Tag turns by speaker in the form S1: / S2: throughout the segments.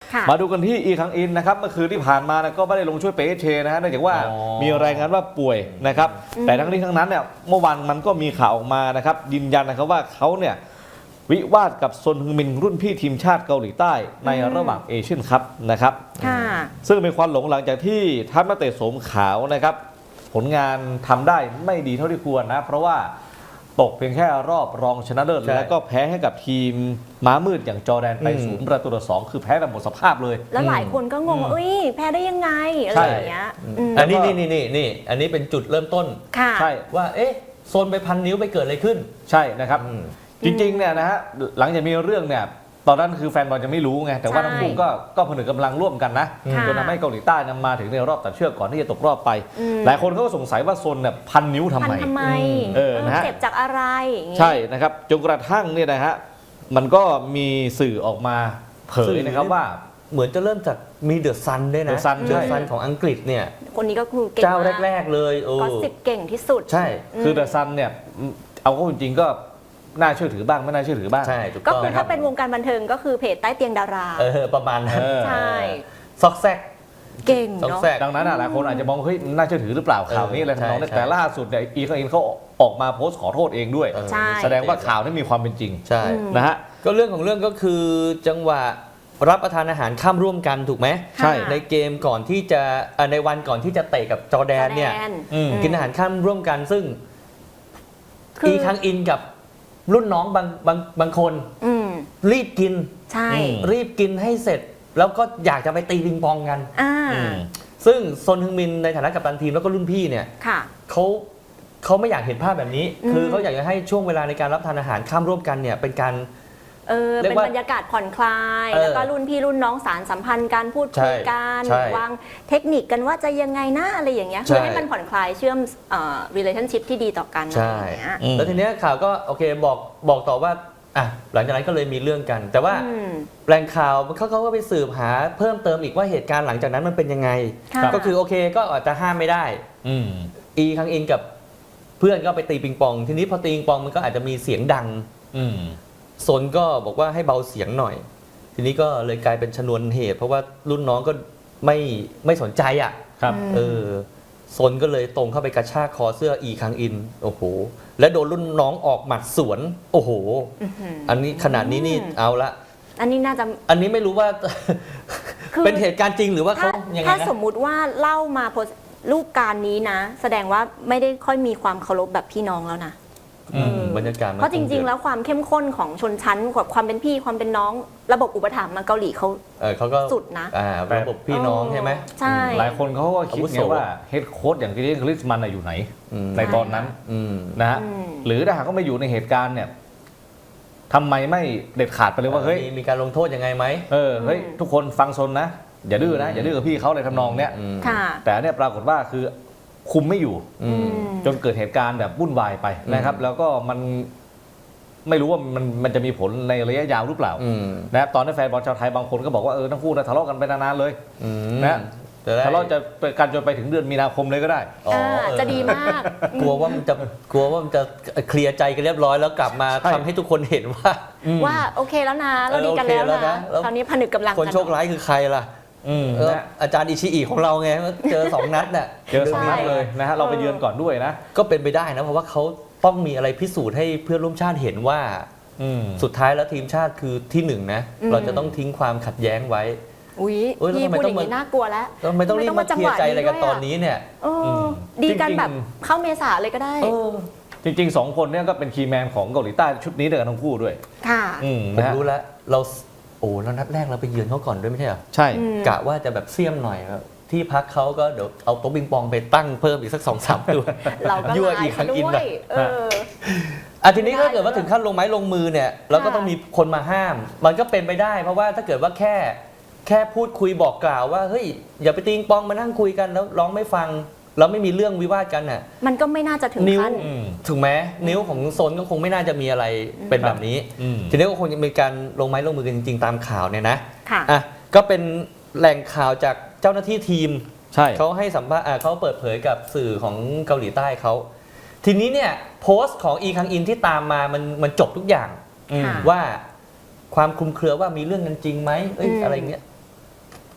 S1: มาดูกันที่อีคังอินนะครับเมื่อคืนที่ผ่านมานะก็ไม่ได้ลงช่วยเปเชนะฮะเนื่องจากว่ามีรายงานว่าป่วยนะครับแต่ทั้งนี้ทั้งนั้นเนี่ยเมื่อวานมันก็มีข่าวออกมานะครับยืนยันนะครับว่าเขาเนี่ยวิวาทกับซนฮึงมินรุ่นพี่ทีมชาติเกาหลีใต้ในระหว่างเอเชียนคัพนะครับซึ่งเป็นควันหลงหลังจากที่ทัพนักเตะโสมขาวนะครับผลงานทำได้ไม่ดีเท่าที่ควรนะเพราะว่าตกเพียงแค่รอบรองชนะเลิศแล้วก็แพ้ให้กับทีมม้ามืดอย่างจอร์แดนไป0-2คือแพ้แบบหมดสภาพเลย
S2: แล้วหลายคนก็งงว่าแพ้ได้ยังไงอะไรอย่างเงี้ย
S3: อันนี้นี่อันนี้เป็นจุดเริ่มต้น
S1: ใช่
S3: ว่าโซนไปพันนิ้วไปเกิดอะไรขึ้น
S1: ใช่นะครับจริงๆเนี่ยนะฮะหลังจากมีเรื่องเนี่ยตอนนั้นคือแฟนบอลจะไม่รู้ไงแต่ว่าทั้งคู่ก็ผนึกกำลังร่วมกันนะจนทำให้เกาหลีใต้นำมาถึงในรอบตัดเชือกก่อนที่จะตกรอบไปหลายคนเขาก็สงสัยว่าซนเนี่ยพันนิ้วทำไม
S2: นะฮะเจ็บจากอะไร
S1: ใช่นะครับจนกระทั่งเนี่ยนะฮะมันก็มีสื่อออกมาเผยนะครับว่า
S3: เหมือนจะเริ่มจากมีเดอะซันด้วยนะเดอะซันของอังกฤษเนี่ย
S2: คนนี้ก็คือ
S3: เจ้าแรกๆเลย
S2: ก็10เก่งที่สุด
S1: ใช่คือเดอะซันเนี่ยเอาเข้าจริงๆก็น่าเชื่อถือบ้างไม่น่าเชื่อถือบ้าง
S3: ใช่
S2: ก็คือถ้าเป็นวงการบันเทิงก็คือเพจใต้เตียงดารา
S3: ประมาณนั้น
S2: ใช่
S3: ซอกแซก
S2: เก่งเนาะ
S1: ดังนั้นหลายคนอาจจะมองเฮ้ยน่าเชื่อถือหรือเปล่าข่าวนี้อะไรทำนองนี้แต่ล่าสุดเนี่ยอีคังอินเขาออกมาโพสต์ขอโทษเองด้วยแสดงว่าข่าวนี้มีความเป็นจริง
S3: ใช่
S1: นะฮะ
S3: ก็เรื่องของเรื่องก็คือจังหวะรับประทานอาหารข้ามร่วมกันถูกไหม
S1: ใช่
S3: ในเกมก่อนที่จะในวันก่อนที่จะเตะกับจอร์แดนเนี่ยกินอาหารข้ามร่วมกันซึ่งอีคังอินกับรุ่นน้องบางคนรีบกิน
S2: ใช่
S3: รีบกินให้เสร็จแล้วก็อยากจะไปตีปิงปองกันซึ่งซนฮึงมินในฐานะกัปตันทีมแล้วก็รุ่นพี่เนี่ยเขาไม่อยากเห็นภาพแบบนี้คือเขาอยากจะให้ช่วงเวลาในการรับทานอาหารข้ามร่วมกันเนี่ยเป็นการ
S2: เป็นบรรยากาศผ่อนคลายแล้วก็รุ่นพี่รุ่นน้องสารสัมพันธ์การพูดคุยกันวางเทคนิคกันว่าจะยังไงนะอะไรอย่างเงี้ยคือให้มันผ่อนคลายเชื่อมrelationship ที่ดีต่อกัน
S3: ใช่แล้วทีเนี้ยข่าวก็โอเคบอกต่อว่าหลังจากนั้นก็เลยมีเรื่องกันแต่ว่าแหล่งข่าวเขาก็ไปสืบหาเพิ่มเติมอีกว่าเหตุการณ์หลังจากนั้นมันเป็นยังไงก็คือโอเคก็อาจจะห้ามไม่ได้อีคังอินกับเพื่อนก็ไปตีปิงปองทีนี้พอตีปิงปองมันก็อาจจะมีเสียงดังซนก็บอกว่าให้เบาเสียงหน่อยทีนี้ก็เลยกลายเป็นชนวนเหตุเพราะว่ารุ่นน้องก็ไม่สนใจ
S1: ครับ
S3: ซนก็เลยตรงเข้าไปกระชากคอเสื้ออีคังอินโอ้โหและโดนรุ่นน้องออกหมัดสวนโอ้โหอันนี้ขนาดนี้นี่เอาละ
S2: อันนี้น่าจะ
S3: อันนี้ไม่รู้ว่าเป็นเหตุการณ์จริงหรือว่าเขายังไงนะ
S2: ถ้าสมมุติว่าเล่ามารูปการนี้นะแสดงว่าไม่ได้ค่อยมีความเคารพแบบพี่น้องแล้วนะ
S3: บรรยากาศ
S2: เพราะจริงๆแล้วความเข้มข้นของชนชั้นกับความเป็นพี่ความเป็นน้องระบบอุปถัมภ์มาเกาหลีเขาก็สุดนะ
S3: ระบบพี่น้องใช่ไหม
S2: ใช่
S1: หลายคนเขาก็คิดไงว่าเฮดโค้ชอย่างที่คริสมันอยู่ไหนในตอนนั้นนะฮะหรือถ้าหากเขาไม่อยู่ในเหตุการณ์เนี่ยทำไมไม่เด็ดขาดไปเลยว่าเฮ้ย
S3: มีการลงโทษยังไงไหม
S1: เฮ้ยทุกคนฟังซนนะอย่าดื้อนะอย่าดื้อกับพี่เขาเลยทำนองเนี้ยแต่เนี่ยปรากฏว่าคือคุมไม่อยู่จนเกิดเหตุการณ์แบบวุ่นวายไปนะครับแล้วก็มันไม่รู้ว่ามันจะมีผลในระยะยาวหรือเปล่านะตอนนี้แฟนบอลชาวไทยบางคนก็บอกว่าทั้งคู่ทะเลาะกันไปนานๆเลยนะทะเลาะจะกันจนไปถึงเดือนมีนาคมเลยก็ได้
S2: จะดีมาก
S3: กลัวว่ามันจะเคลียร์ใจกันเรียบร้อยแล้วกลับมาทำให้ทุกคนเห็นว่า
S2: โอเคแล้วนะเราดีกันแล้วนะตอนนี้ผนึกกำลัง
S3: คนโชคร้ายคือใครล่ะอาจารย์อิชิอิของเราไงเจอ2 นัดน่ะ
S1: เจอ2 นัดเลยนะฮะเราไปเยือนก่อนด้วยนะ
S3: ก็เป็นไปได้นะเพราะว่าเขาต้องมีอะไรพิสูจน์ให้เพื่อนร่วมชาติเห็นว่าสุดท้ายแล้วทีมชาติคือที่1นะเราจะต้องทิ้งความขัดแย้งไว้
S2: พี่พูดอย่างนี้น่ากลัวแล้ว
S3: ไม่ต้องรีบมาเคลียร์ใจอะไรกันตอนนี้เนี่ย
S2: ดีกันแบบเข้าเมษาเลยก็ได้
S1: จริงๆ2 คนเนี่ยก็เป็นคีย์แมนของเกาหลีใต้ชุดนี้เดียวกันทั้งคู่ด้วย
S2: ค่ะ
S3: ผมรู้แล้วแล้วนัดแรกเราไปเยือนเขาก่อนด้วยไม่ใช่เหรอ
S1: ใช่
S3: กะว่าจะแบบเสี่ยมหน่อยที่พักเขาก็เดี๋ยวเอาโต๊ะปิงปองไปตั้งเพิ่มอีกสัก 2-3 ตัว
S2: ยั่ว
S3: อีกครั้งอินแบบทีนี้ถ้าเกิดว่าถึงขั้นลงไม้ลงมือเนี่ยเราก็ต้องมีคนมาห้ามมันก็เป็นไปได้เพราะว่าถ้าเกิดว่าแค่พูดคุยบอกกล่าวว่าเฮ้ยอย่าไปตีปิงปองมานั่งคุยกันแล้วร้องไม่ฟังแล้วไม่มีเรื่องวิวาทกันน่ะ
S2: มันก็ไม่น่าจะถึงขั้น
S3: ถึงแม้นิ้วของโซนก็คงไม่น่าจะมีอะไรเป็นแบบนี้ทีนี้ก็คงจะมีการลงไม้ลงมือกันจริงๆตามข่าวเนี่ยนะก็เป็นแหล่งข่าวจากเจ้าหน้าที่ทีมเขาให้สัมภาษณ์เขาเปิดเผยกับสื่อของเกาหลีใต้เขาทีนี้เนี่ยโพสต์ของอีคังอินที่ตามมามันจบทุกอย่างว่าความคลุมเครือว่ามีเรื่องกันจริงไหมอะไรเงี้ย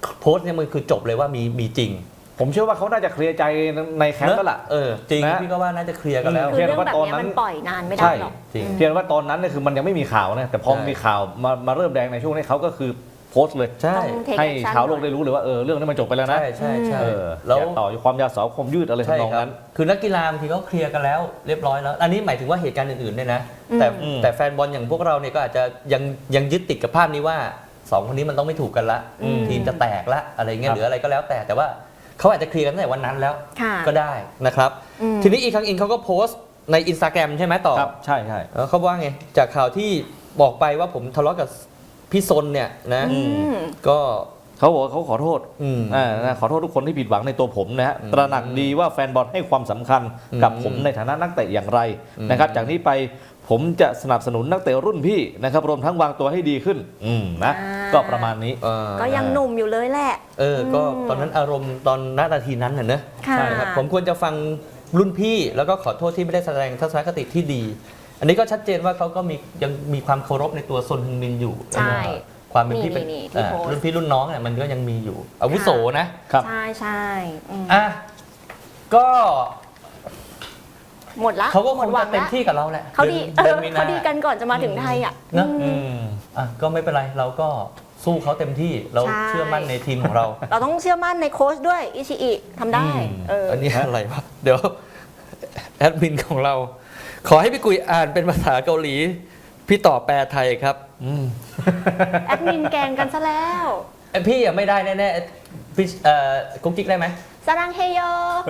S3: โพสต์เนี่ยมันคือจบเลยว่ามีจริง
S1: ผมเชื่อว่าเขาน่าจะเคลียร์ใจในแคมป์แล้วล่ะ
S3: จริง
S1: นะ
S3: พี่ก็ว่าน่าจะเคลียร์กันแล้ว
S2: คือเรื่องแบบเนี้ยมันปล่อยนานไม่ได้หรอก
S3: จริง
S1: เพียงว่าตอนนั้นเนี่ยคือมันยังไม่มีข่าวนะแต่พอ
S3: ใช่
S1: มีข่าวมาเริ่มแดงในช่วงนี้เขาก็คือโพสต์เลย
S3: ใช่
S2: ต้อง take
S1: ให้
S2: action
S1: ชาวโลกได้รู้เลยว่าเรื่องนี้มันจบไปแล้วนะ
S3: ใช่ใช่
S1: เออ
S3: แล้ว
S1: อย่าต่อความยาวสาวความยืดอะไร
S3: ใช่
S1: ทำนอง
S3: ครับ
S1: นั้น
S3: คือนักกีฬาบางทีเขาเคลียร์กันแล้วเรียบร้อยแล้ว อันนี้หมายถึงว่าเหตุการณ์อื่นๆเนี่ยนะ แต่แฟนบอลอย่างพวกเราเนี่ยก็อาจจะยังยึดติดกับภาพนี้ว่าสองคนนี้มันต้องไม่ถูกกันละ ทีมจะแตกละอะไรเงี้ย
S1: ครับ
S3: หรืออะไรก็แล้วแต่ว่าเขาอาจจะเคลียร์กันตั้งแต่วันนั้นแล้ว
S2: ค่ะ
S3: ก็ได้นะครับ ทีนี้อีกครั้งอินเขาก็โพสต์ใน Instagram ใช่ไหมต่อ
S1: ครับใช่ใช่
S3: แล้วเขาว่าไงจากข่าวที่บอกไปว่าผมทะเลาะกับพี่ซนเนี่ยนะ ก็
S1: เขาบอกว่าเขาขอโทษ
S3: อืม
S1: ขอโทษทุกคนที่ผิดหวังในตัวผมนะฮะตระหนักดีว่าแฟนบอลให้ความสำคัญกับผมในฐานะนักเตะอย่างไรนะครับจากนี้ไปผมจะสนับสนุนนักเตะรุ่นพี่นะครับรวมทั้งวางตัวให้ดีขึ้นนะ
S2: อ่า
S1: ก็ประมาณนี้
S2: ก็ยังหนุ่มอยู่เลยแหละ
S3: ก็ตอนนั้นอารมณ์ตอนนาทีนั้นน่ะเนอะ
S2: ค่ะ
S3: ใช่ครับผมควรจะฟังรุ่นพี่แล้วก็ขอโทษที่ไม่ได้แสดงทัศนคติที่ดี อันนี้ก็ชัดเจนว่าเขาก็ยังมีความเคารพในตัวซนฮึงมินอยู่
S2: ใช่
S3: ความเป็นพี่เป็น
S2: นี่ที่โพสต์
S3: รุ่นพี่รุ่นน้องเนี่ยมันก็ยังมีอยู่อาวุโสนะครับ
S2: ใช่ใช่อืม
S3: อ่ะก็
S2: หมดละ
S3: เขาก็ค
S2: หม
S3: ง
S2: ดหวั
S3: จะ
S2: ง
S3: เต็ม
S2: ละ
S3: ที่กับเราแหละ
S2: เขาดี
S3: ดือนมีนา
S2: เขาดีกันก่อนจะมาถึงไทยอ่ะ
S3: เนอะ
S1: อืม
S3: ก็ไม่เป็นไรเราก็สู้เขาเต็มที่เรา
S2: ใช่
S3: เชื่อมั่นในทีมของเรา
S2: เราต้องเชื่อมั่นในโค้ชด้วยอิชิอิทำได้
S3: อันนี้อะไรวะเดี๋ยวแอดมินของเรา ขอให้พี่กุยอ่านเป็นภาษาเกาหลี พี่ต่อแปลไทยครับ
S2: แอดมินแกงกันซะแล้ว
S3: พี่ยังไม่ได้แน่ๆพี่กุ๊กกิ๊กได้ไหม
S2: สรังเฮโย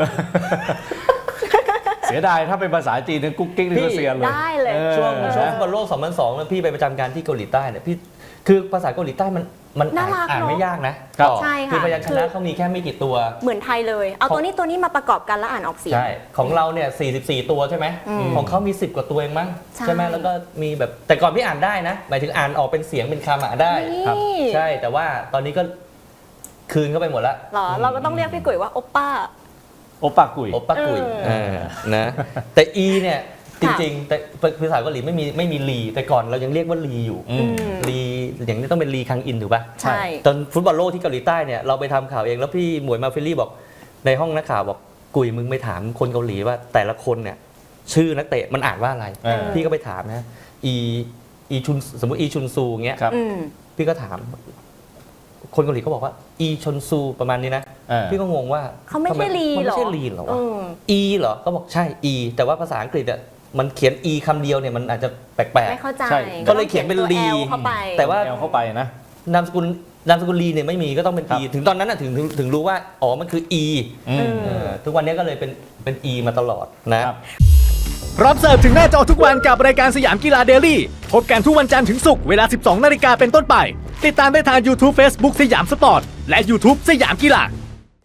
S1: เสียดายถ้าเป็นภาษาจีนเนี่ยกุ๊กกิ๊กนี่ก็เสียเลย
S2: ได้เลย
S3: ช่วงฟุตบอลโลก 2002แล้วพี่ไปประจำการที่เกาหลีใต้เนี่ยพี่คือภาษาเกาหลีใต้มัน
S2: น่ารัก
S3: อ่าน
S2: เนอะ
S3: ไม่ยากนะ
S2: ใช่ค่ะ
S3: คือพยัญช
S2: คื
S3: นะ
S2: อ
S3: เขามีแค่ไม่กี่ตัว
S2: เหมือนไทยเลย เอาตัวนี้มาประกอบกันแล้วอ่านออกเสียง
S3: ใช่ ของเราเนี่ย 44 ตัวใช่ไหม ของเขามี 10 กว่าตัวเองมั้ง
S2: ใช่
S3: ไหมแล้วก็มีแบบ แต่ก่อนพี่อ่านได้นะ หมายถึงอ่านออกเป็นเสียงเป็นคำอ่านได้
S2: นี่
S3: ครับใช่ แต่ว่าตอนนี้ก็คืนเข้าไปหมดละ
S2: หรอ เราก็ต้องเรียกพี่กุ๋ยว่าโอปป้า
S1: โอปากุย
S3: โอปป้ากุย นะ แต่ E เนี่ย จริงๆ แต่ภาษาเกาหลีไม่มีลี แต่ก่อนเรายังเรียกว่าลีอยู่ ลีอย่างนี้ต้องเป็นลีคังอินถูกป่ะ
S2: ใช่
S3: ตอนฟุตบอลโลกที่เกาหลีใต้เนี่ยเราไปทำข่าวเองแล้วพี่หมวยมาฟิลลี่บอกในห้องนักข่าวบอกกุยมึงไปถามคนเกาหลีว่าแต่ละคนเนี่ยชื่อนักเตะมันอ่านว่าอะไร พี่ก็ไปถามนะอีชุนสมมติอีชุนซูเงี้ย
S1: ครับ
S3: พี่ก็ถาม คนเกาหลีเขาบอกว่าอีชนซูประมาณนี้นะ พี่ก็งงว่า
S2: เขาไม่ใช่ลี
S3: มัน
S2: หร
S3: ไม่
S2: อ
S3: ใช่ลีเหรอวะอีเหรอก็บอกใช่อีแต่ว่าภาษาอังกฤษอ่ะมันเขียนอีคำเดียวเนี่ยมันอาจจะแปลก
S2: ไม่เข้าใจ
S1: ใช่
S3: ก็เลยเขียนเป็น
S2: ตัว
S3: ลี
S2: L เข้าไป
S3: แต่ว่า
S1: แอลเข้าไปนะ
S3: นามสกุลลีเนี่ยไม่มีก็ต้องเป็น E ถึงตอนนั้นน่ะถึงรู้ว่าอ๋อมันคือ E ทุกวันนี้ก็เลยเป็น E มาตลอดนะครับ
S4: พร้อมเสิร์ฟถึงหน้าจอทุกวันกับรายการสยามกีฬาเดลี่พบกันทุกวันจันทร์ถึงศุกร์เวลา 12 นาฬิกาเป็นต้นไป ติดตามได้ทาง YouTube Facebook สยามสปอร์ต และ YouTube สยามกีฬา